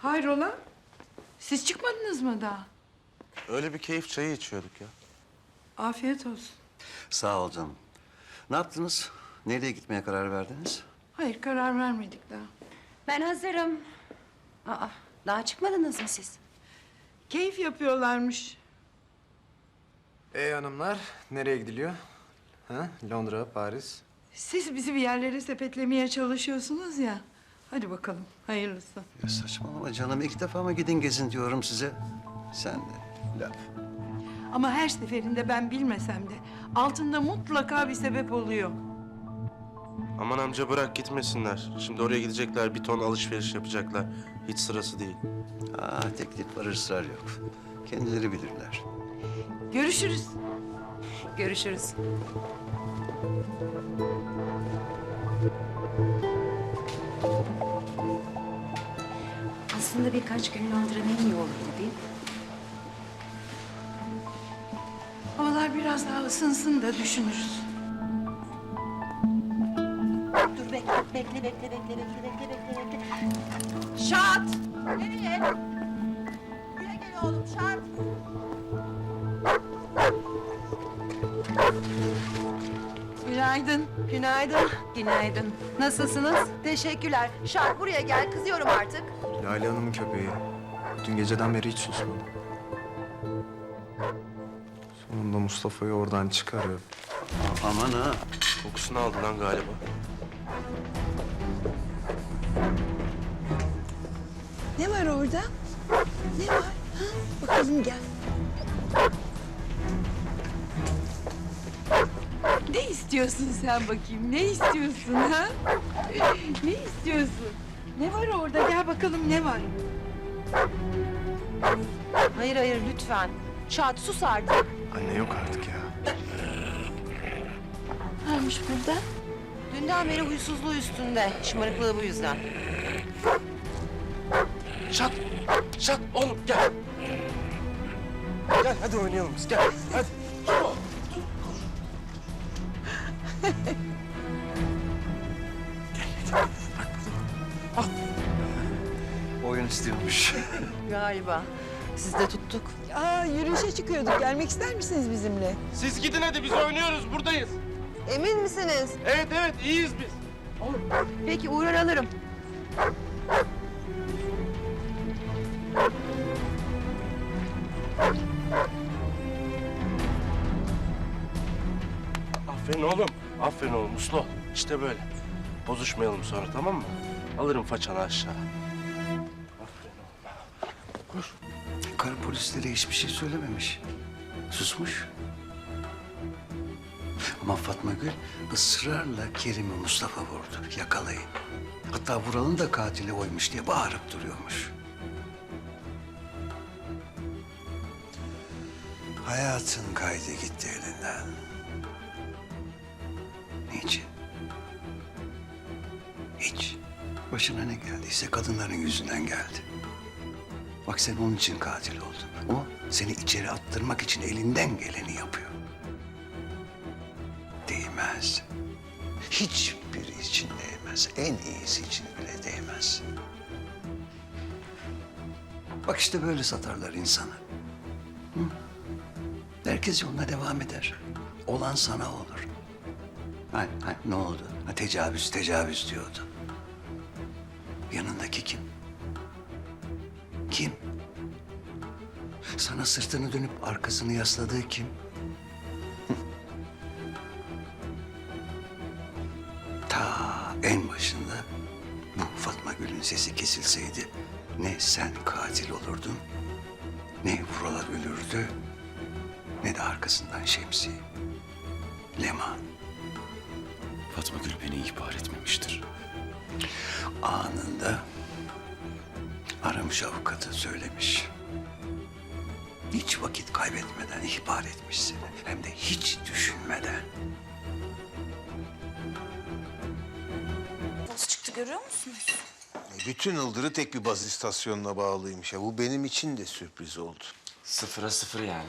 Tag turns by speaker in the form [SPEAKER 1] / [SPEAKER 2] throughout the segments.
[SPEAKER 1] Hayrola? Siz çıkmadınız mı daha?
[SPEAKER 2] Öyle bir keyif çayı içiyorduk ya.
[SPEAKER 1] Afiyet olsun.
[SPEAKER 3] Sağ ol canım. Ne yaptınız? Nereye gitmeye karar verdiniz?
[SPEAKER 1] Hayır, karar vermedik daha.
[SPEAKER 4] Ben hazırım. Aa, daha çıkmadınız mı siz?
[SPEAKER 1] Keyif yapıyorlarmış.
[SPEAKER 5] Hanımlar, nereye gidiliyor? Ha? Londra, Paris.
[SPEAKER 1] Siz bizi bir yerlere sepetlemeye çalışıyorsunuz ya. Hadi bakalım, hayırlısı.
[SPEAKER 3] Ya saçmalama canım. 2 defa mı gidin gezin diyorum size. Sen de laf.
[SPEAKER 1] Ama her seferinde ben bilmesem de altında mutlaka bir sebep oluyor.
[SPEAKER 2] Aman amca bırak gitmesinler. Şimdi oraya gidecekler, bir ton alışveriş yapacaklar. Hiç sırası değil.
[SPEAKER 3] Teklif var, ısrar yok. Kendileri bilirler.
[SPEAKER 1] Görüşürüz.
[SPEAKER 4] Görüşürüz. Aslında birkaç gün Londra'nın iyi olurdu değil mi?
[SPEAKER 1] Havalar biraz daha ısınsın da düşünürüz.
[SPEAKER 4] Dur bekle. Şart! Nereye? Buraya gel oğlum Şart.
[SPEAKER 1] Günaydın.
[SPEAKER 4] Günaydın. Günaydın. Nasılsınız? Teşekkürler. Şart buraya gel. Kızıyorum artık.
[SPEAKER 5] Lale Hanım'ın köpeği. Dün geceden beri hiç susmadı. Sonunda Mustafa'yı oradan çıkarıyor.
[SPEAKER 3] Aman ha.
[SPEAKER 2] Kokusunu aldı lan galiba.
[SPEAKER 1] Ne var orada? Ne var? Ha? Bakalım gel. Ne istiyorsun sen bakayım? Ne istiyorsun ha? Ne istiyorsun? Ne var orada? Gel bakalım ne var?
[SPEAKER 4] Hayır lütfen. Şart sus artık.
[SPEAKER 5] Anne yok artık ya.
[SPEAKER 1] Varmış burada.
[SPEAKER 4] Dünden beri huysuzluğu üstünde. Şımarıklığı bu yüzden.
[SPEAKER 2] Şat oğlum gel. Gel hadi oynayalım biz gel. Hadi.
[SPEAKER 3] Oyun istiyormuş.
[SPEAKER 4] Galiba. Siz de tuttuk.
[SPEAKER 1] Yürüyüşe çıkıyorduk. Gelmek ister misiniz bizimle?
[SPEAKER 2] Siz gidin hadi biz oynuyoruz buradayız.
[SPEAKER 4] Emin misiniz?
[SPEAKER 2] Evet iyiyiz biz.
[SPEAKER 4] Peki uğrar alırım.
[SPEAKER 2] Aferin oğlum uslu ol. İşte böyle. Bozuşmayalım sonra tamam mı? Alırım façanı aşağı. Aferin oğlum.
[SPEAKER 3] Karı polislere hiçbir şey söylememiş. Susmuş. Ama Fatma Gül ısrarla Kerim'i Mustafa vurdu. Yakalayın. Hatta Vural'ın da katili oymuş diye bağırıp duruyormuş. Hayatın kaydı gitti elinden. Niçin? Hiç. Başına ne geldiyse kadınların yüzünden geldi. Bak sen onun için katil oldun. O seni içeri attırmak için elinden geleni yapıyor. Değmez. Hiçbiri için değmez. En iyisi için bile değmez. Bak işte böyle satarlar insanı. Hı? Herkes yoluna devam eder. Olan sana olur. Ne oldu? Tecavüz diyordu. Yanındaki kim? Kim? Sana sırtını dönüp arkasını yasladığı kim? Ta en başında bu Fatma Gül'ün sesi kesilseydi ne sen katil olurdun, ne Vural ölürdü, ne de arkasından Şemsi. Leman.
[SPEAKER 6] Fatma Gül beni ihbar etmemiştir.
[SPEAKER 3] Anında aramış avukatı söylemiş. Hiç vakit kaybetmeden ihbar etmiş seni. Hem de hiç düşünmeden.
[SPEAKER 7] Nasıl çıktı görüyor musunuz?
[SPEAKER 8] Bütün Ildır'ı tek bir baz istasyonuna bağlıymış ya. Bu benim için de sürpriz oldu.
[SPEAKER 6] 0'a 0 yani.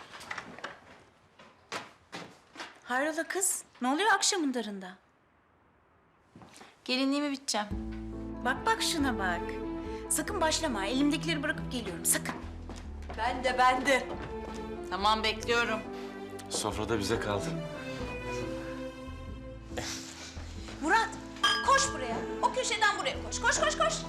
[SPEAKER 7] Hayrola kız? Ne oluyor akşamın darında? Gelinliğimi biteceğim. Bak şuna bak. Sakın başlama. Elimdekileri bırakıp geliyorum. Sakın.
[SPEAKER 1] Ben de. Tamam, bekliyorum.
[SPEAKER 6] Sofrada bize kaldı.
[SPEAKER 7] Murat, koş buraya. O köşeden buraya koş. Koş, koş, koş.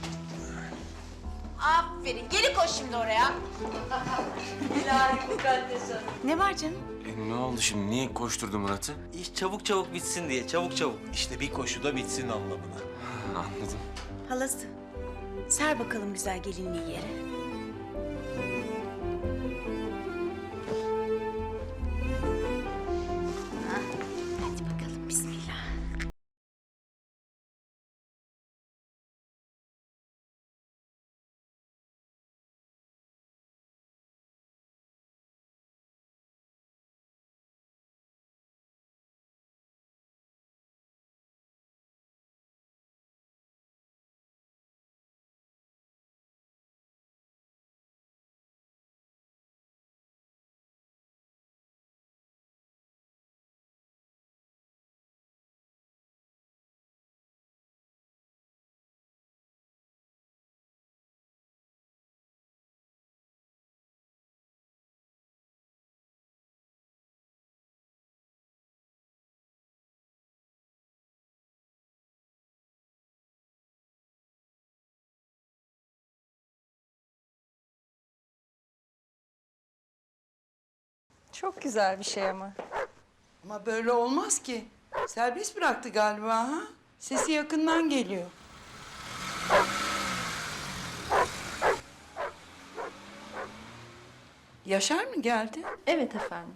[SPEAKER 7] Aferin. Geri koş şimdi oraya.
[SPEAKER 1] İlahi mukaddes hanım.
[SPEAKER 7] Ne var canım?
[SPEAKER 6] Ne oldu şimdi? Niye koşturdu Murat'ı?
[SPEAKER 9] İş çabuk çabuk bitsin diye, çabuk çabuk.
[SPEAKER 8] İşte bir koşuda bitsin anlamına.
[SPEAKER 6] Anladım.
[SPEAKER 7] Halası. Ser bakalım güzel gelinliği yere. Hah, hadi bakalım bismillah.
[SPEAKER 4] Çok güzel bir şey ama.
[SPEAKER 1] Ama böyle olmaz ki. Serbest bıraktı galiba ha? Sesi yakından geliyor. Yaşar mı geldi?
[SPEAKER 4] Evet efendim.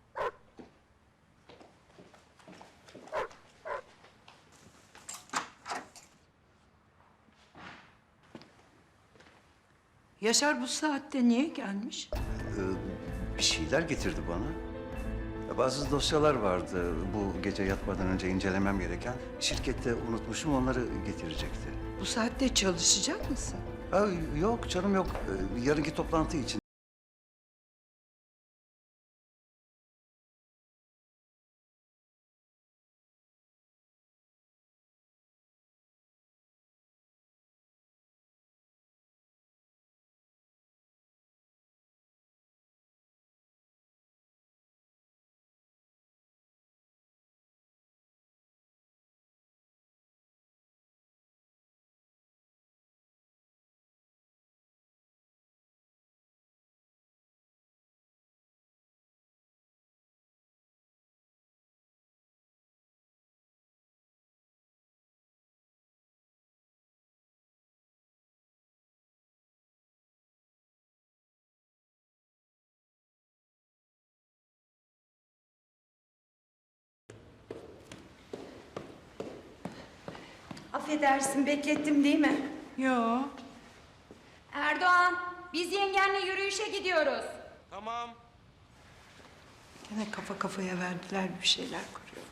[SPEAKER 1] Yaşar bu saatte niye gelmiş?
[SPEAKER 3] Bir şeyler getirdi bana. Bazı dosyalar vardı bu gece yatmadan önce incelemem gereken. Şirkette unutmuşum, onları getirecekti.
[SPEAKER 1] Bu saatte çalışacak mısın?
[SPEAKER 3] Ha, yok canım yok. Yarınki toplantı için.
[SPEAKER 4] Affedersin, beklettim değil mi?
[SPEAKER 1] Yo.
[SPEAKER 4] Erdoğan, biz yengenle yürüyüşe gidiyoruz.
[SPEAKER 1] Gene kafa kafaya verdiler, bir şeyler kuruyorlar.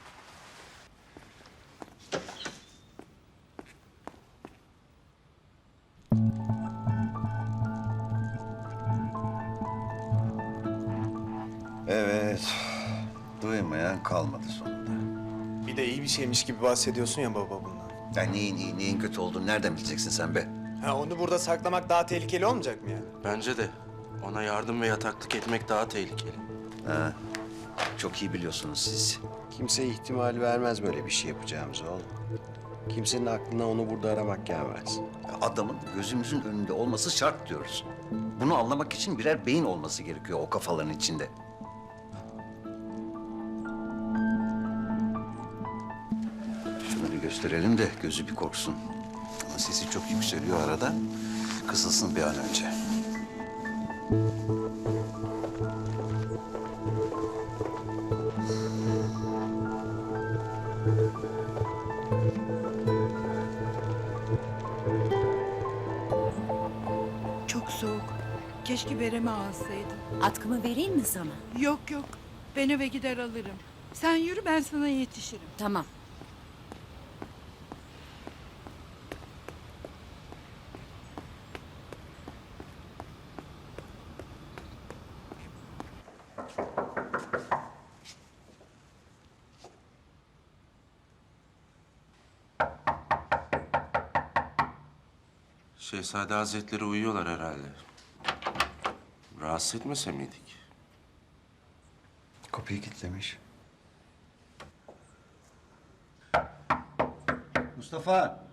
[SPEAKER 3] Evet. Duymayan kalmadı sonunda.
[SPEAKER 5] Bir de iyi bir şeymiş gibi bahsediyorsun ya baba bundan.
[SPEAKER 3] Ya neyin iyi, neyin kötü olduğunu nereden bileceksin sen be?
[SPEAKER 5] Ha, onu burada saklamak daha tehlikeli olmayacak mı yani?
[SPEAKER 2] Bence de ona yardım ve yataklık etmek daha tehlikeli.
[SPEAKER 3] Ha, çok iyi biliyorsunuz siz.
[SPEAKER 10] Kimse ihtimal vermez böyle bir şey yapacağımızı oğlum. Kimsenin aklına onu burada aramak gelmez.
[SPEAKER 3] Adamın gözümüzün önünde olması şart diyoruz. Bunu anlamak için birer beyin olması gerekiyor o kafaların içinde. Şunu bir gösterelim de gözü bir korksun. Ama sesi çok yükseliyor arada. Kısılsın bir an önce.
[SPEAKER 1] Çok soğuk. Keşke beremi alsaydın.
[SPEAKER 7] Atkımı vereyim mi sana?
[SPEAKER 1] Yok yok. Ben eve gider alırım. Sen yürü, ben sana yetişirim.
[SPEAKER 7] Tamam.
[SPEAKER 2] Şehzade Hazretleri uyuyorlar herhalde. Rahatsız etmese miydik?
[SPEAKER 3] Kapıyı kilitlemiş. Mustafa.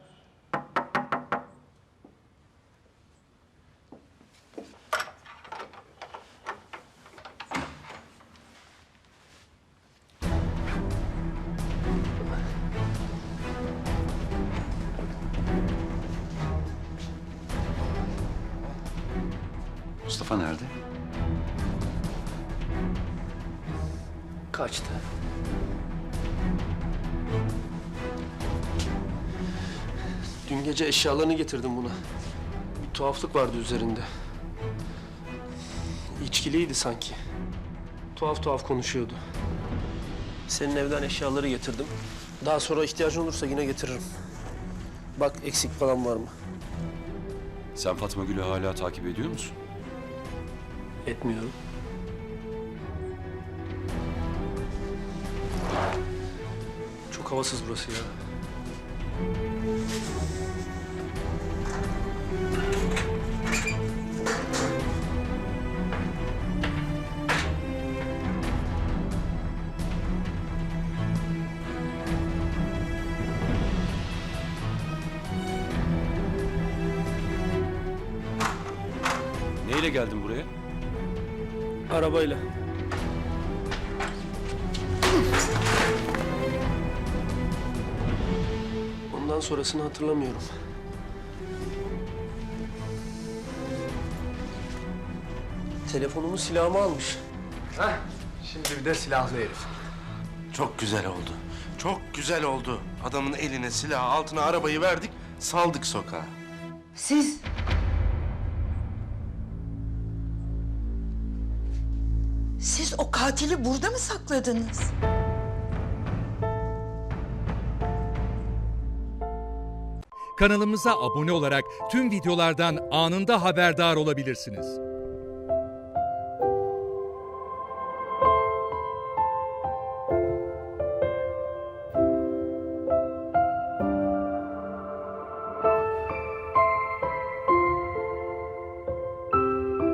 [SPEAKER 3] Mustafa nerede?
[SPEAKER 5] Kaçtı. Dün gece eşyalarını getirdim buna. Bir tuhaflık vardı üzerinde. İçkiliydi sanki. Tuhaf tuhaf konuşuyordu. Senin evden eşyaları getirdim. Daha sonra ihtiyacın olursa yine getiririm. Bak eksik falan var mı?
[SPEAKER 6] Sen Fatma Gül'ü hala takip ediyor musun?
[SPEAKER 5] Etmiyorum. Çok havasız burası ya.
[SPEAKER 6] Neyle geldin buraya?
[SPEAKER 5] Arabayla. Ondan sonrasını hatırlamıyorum. Telefonumu, silahımı almış.
[SPEAKER 10] Şimdi bir de silahlı herif.
[SPEAKER 2] Çok güzel oldu. Çok güzel oldu. Adamın eline silah, altına arabayı verdik, saldık sokağa.
[SPEAKER 1] Siz... Siz o katili burada mı sakladınız?
[SPEAKER 11] Kanalımıza abone olarak tüm videolardan anında haberdar olabilirsiniz.